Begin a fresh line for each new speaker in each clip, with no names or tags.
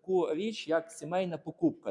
таку річ, як сімейна покупка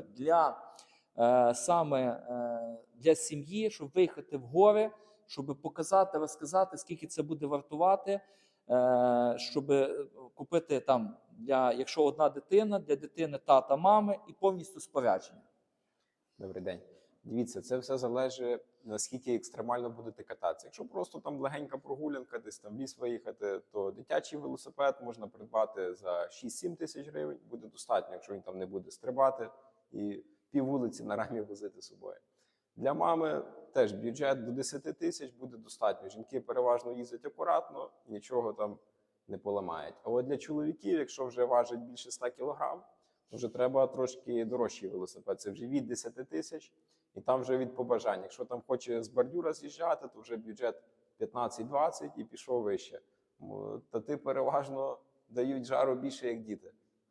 для сім'ї, щоб виїхати в гори, щоб показати, розказати, скільки це буде вартувати, щоб купити там, якщо одна дитина, для дитини тата, мами і повністю спорядження.
Добрий день. Дивіться, це все залежить, наскільки екстремально будете кататися. Якщо просто там легенька прогулянка, десь там в ліс виїхати, то дитячий велосипед можна придбати за 6-7 тисяч гривень. Буде достатньо, якщо він там не буде стрибати і пів вулиці на рамі возити з собою. Для мами теж бюджет до 10 тисяч буде достатньо. Жінки переважно їздять акуратно, нічого там не поламають. А от для чоловіків, якщо вже важить більше 100 кг, вже треба трошки дорожчий велосипед. Це вже від 10 тисяч, і там вже від побажань. Якщо там хоче з бордюра з'їжджати, то вже бюджет 15-20 і пішов вище. Тати переважно дають жару більше, як діти.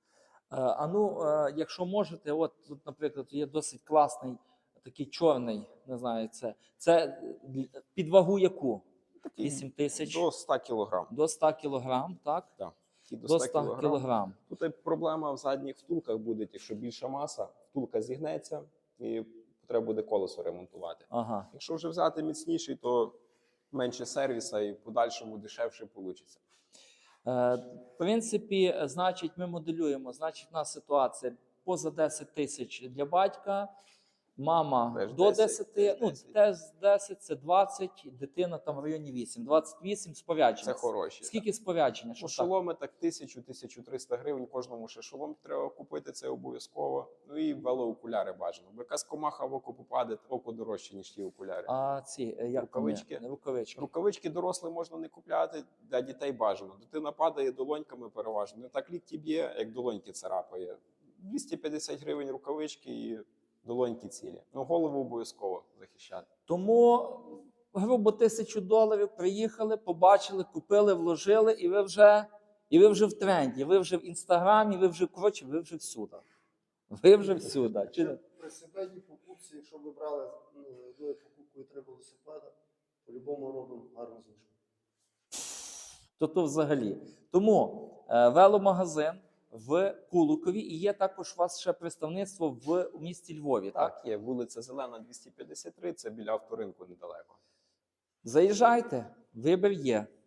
Якщо можете, от тут, наприклад, є досить класний, такий чорний, не знаю, це під вагу яку? 8 тисяч?
До 100 кг.
До 100 кг, так?
Так.
До 100 кг.
Тут проблема в задніх втулках буде, якщо більша маса, втулка зігнеться і треба буде колесо ремонтувати.
Ага.
Якщо вже взяти міцніший, то менше сервіса і в подальшому дешевше вийде.
В принципі, значить, ми моделюємо, значить, у нас ситуація поза 10 тисяч для батька, мама
Теж
до
10,
10,
теж 10.
теж 10, це 20, дитина там в районі 8, 28 спорядження.
Це хороші.
Скільки спорядження?
Ну, шоломи так 1000-1300 гривень, кожному ще шолом треба купити, це обов'язково. Ну і велоокуляри бажано. Бо якась комаха в око попаде, око дорожче, ніж ті окуляри.
А ці, як
рукавички?
Рукавички.
Рукавички дорослим можна не купляти, для дітей бажано. Дитина падає долоньками переважно. Не так лікті б'є, як долоньки царапає. 250 гривень рукавички і долоньки цілі. Ну, голову обов'язково захищати.
Тому, грубо, $1000 приїхали, побачили, купили, вложили, і ви вже в тренді, ви вже в Інстаграмі, ви вже всюди. Ви вже всюди.
При сімейній покупці, якщо ви брали одною покупкою 3 велосипеда, по-любому робимо гарну знижку.
То взагалі. Тому веломагазин в Куликові, і є також у вас ще представництво в місті Львові, так?
Так, є вулиця Зелена, 253, це біля авторинку недалеко.
Заїжджайте, вибір є.